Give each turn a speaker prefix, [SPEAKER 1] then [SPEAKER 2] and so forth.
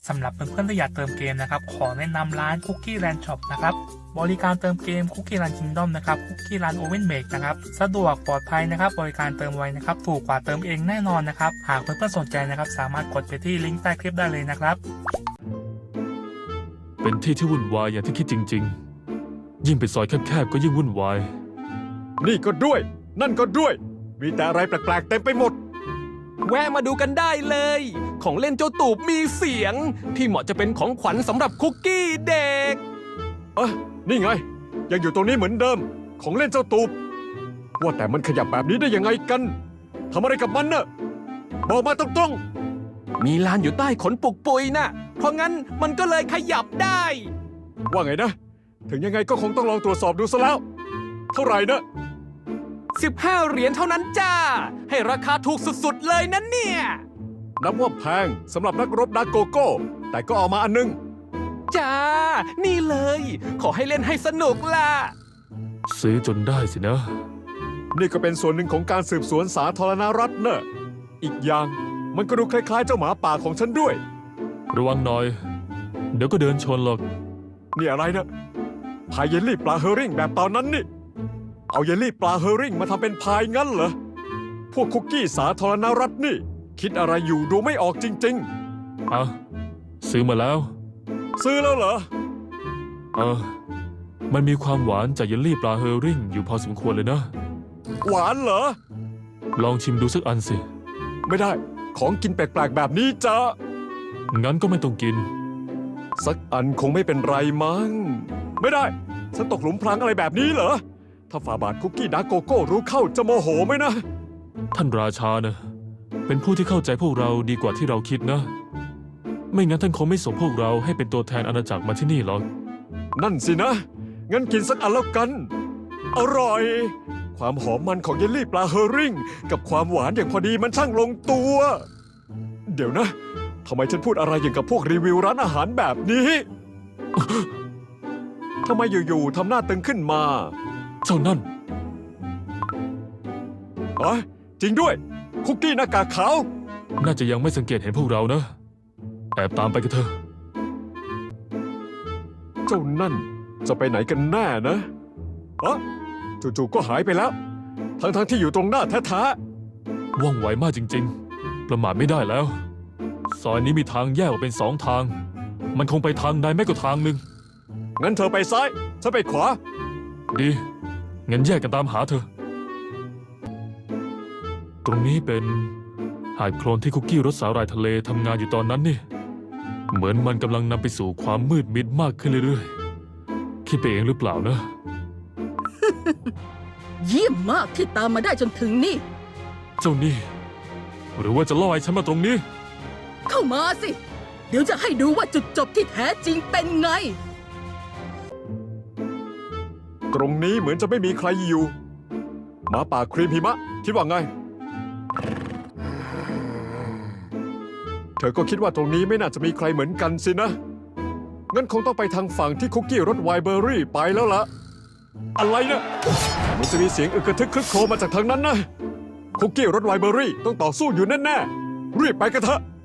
[SPEAKER 1] สำหรับเพื่อนๆที่อยากเติมเกมนะครับขอแนะนำร้าน Cookie Land Shop นะครับบริการเติมเกม Cookie Land Kingdom นะครับ Cookie Land Oven Make นะครับสะดวกปลอดภัยนะครับบริการเติมไวนะครับถูกกว่าเติมเองแน่นอนนะครับหากเพื่อนๆสนใจนะครับสามารถกดไปที่ลิงก์ใต้คลิปได้เลยนะครับ
[SPEAKER 2] เป็นที่ที่วุ่นวายอย่างที่คิดจริงๆยิ่งเป็นซอยแคบๆก็ยิ่งวุ่นวาย
[SPEAKER 3] นี่ก็ด้วย นั่นก็ด้วย มีแต่อะไรแปลกๆเต็มไปหมด
[SPEAKER 4] แวะมาดูกันได้เลย ของเล่นเจ้าตูบมีเสียง ที่เหมาะจะเป็นของขวัญสำหรับคุกกี้เด็ก
[SPEAKER 3] นี่ไง ยังอยู่ตรงนี้เหมือนเดิม ของเล่นเจ้าตูบว่าแต่มันขยับแบบนี้ได้ยังไงกันทำอะไรกับมันน่ะบอกมาตรง
[SPEAKER 4] มีลานอยู่ใต้ขนปุกปุยน่ะ เพราะงั้นมันก็เลยขยับได้
[SPEAKER 3] ๆว่าไงนะ ถึงยังไงก็คงต้องลองตรวจสอบดูซะแล้ว เท่าไหร่นะ
[SPEAKER 4] 15 เหรียญเท่านั้นจ้า ให้ราคาถูกสุดๆเลยนะเนี่ย
[SPEAKER 3] นับว่าแพงสำหรับนักรบดาร์กโกโก้ แต่ก็เอามาอันนึง
[SPEAKER 4] จ้า นี่เลย ขอให้เล่นให้สนุกล่ะ
[SPEAKER 2] ซื้อจนได้สินะ
[SPEAKER 3] นี่ก็เป็นส่วนหนึ่งของการสืบสวนสาธารณรัฐเนอะอีกอย่างมันก็ดูคล้ายๆเจ้าหมาป่าของฉันด้วย
[SPEAKER 2] ระวังหน่อย เดี๋ยวก็เดินชนหรอก
[SPEAKER 3] นี่อะไรนะพายเยลลี่ปลาเฮอริ่งแบบตอนนั้นนี่ เอาเยลลี่ปลาเฮอริ่งมาทำเป็นพายงั้นเหรอ พวกคุกกี้สาธารณรัฐนี่ คิดอะไรอยู่ดูไม่ออกจริง
[SPEAKER 2] อ่ะ ซื้อมาแล้ว
[SPEAKER 3] ๆ ซื้อแล้วเหรอ
[SPEAKER 2] มันมีความหวานจากเยลลี่ปลาเฮอริ่งอยู่พอสมควรเลยนะ
[SPEAKER 3] หวานเหรอ
[SPEAKER 2] ลองชิมดูสักอันสิ
[SPEAKER 3] ไม่ได้ ของกินแปลกๆแบบนี้จะ
[SPEAKER 2] งั้นก็ไม่ต้องกิน
[SPEAKER 3] สักอันคงไม่เป็นไรมั้ง ไม่ได้ ฉันตกหลุมพรางอะไรแบบนี้เหรอ ถ้าฝ่าบาทคุกกี้ดาร์กโกโก้รู้เข้าจะโมโหไหมนะ
[SPEAKER 2] ท่านราชานะเป็นผู้ที่เข้าใจพวกเราดีกว่าที่เราคิดนะ ไม่งั้นท่านคงไม่ส่งพวกเราให้เป็นตัวแทนอาณาจักรมาที่นี่หรอก
[SPEAKER 3] นั่นสินะ งั้นกินสักอันแล้วกัน อร่อย ความหอมมันของเยลลี่ปลาเฮอริ่ง กับความหวานอย่างพอดีมันช่างลงตัว เดี๋ยวนะ ทำไมฉันพูดอะไรอย่างกับพวกรีวิวร้านอาหารแบบนี้ ทำไมอยู่ๆทำหน้าตึงขึ้นมา
[SPEAKER 2] เจ้านั่น
[SPEAKER 3] อ๋อจริงด้วย คุกกี้หน้ากากขาว
[SPEAKER 2] น่าจะยังไม่สังเกตเห็นพวกเรานะ แอบตามไปกันเถอะ
[SPEAKER 3] เจ้านั่นจะไปไหนกันแน่นะอ๋อจู่ๆก็หายไปแล้ว ทั้งที่อยู่ตรงหน้าแท้
[SPEAKER 2] ว่องไวมากจริงๆ ประมาทไม่ได้แล้ว ซอยนี้มีทางแยกออกเป็น2 ทาง มันคงไปทางใดไม่ก็ทางหนึ่ง
[SPEAKER 3] ๆงั้นเธอไปซ้าย ฉันไปขวา
[SPEAKER 2] ดี งั้นแยกกันตามหาเธอ ตรงนี้เป็นหาดโคลนที่คุกกี้รสสาหร่ายทะเลทำงานอยู่ตอนนั้นนี่ เหมือนมันกำลังนำไปสู่ความมืดมิดมากขึ้นเรื่อยๆ คิดไปเองหรือเปล่านะ
[SPEAKER 5] เยี่ยมมากที่ตามมาได้จนถึงนี่
[SPEAKER 2] เจ้านี่ หรือว่าจะล่อให้ฉันมาตรงนี้
[SPEAKER 5] เข้ามาสิ เดี๋ยวจะให้ดูว่าจุดจบที่แท้จริงเป็นไง
[SPEAKER 3] ตรงนี้เหมือนจะไม่มีใครอยู่หมาป่าครีมหิมะ คิดว่าไง เธอก็คิดว่าตรงนี้ไม่น่าจะมีใครเหมือนกันสินะ งั้นคงต้องไปทางฝั่งที่คุกกี้รสไวน์เบอร์รี่ไปแล้วล่ะ อะไรนะมันจะมีเสียงอึกกระทึกครึกโครมมาจากทางนั้นนะ คุกกี้รสไวน์เบอร์รี่ต้องต่อสู้อยู่แน่ๆรีบไปกันเถอะ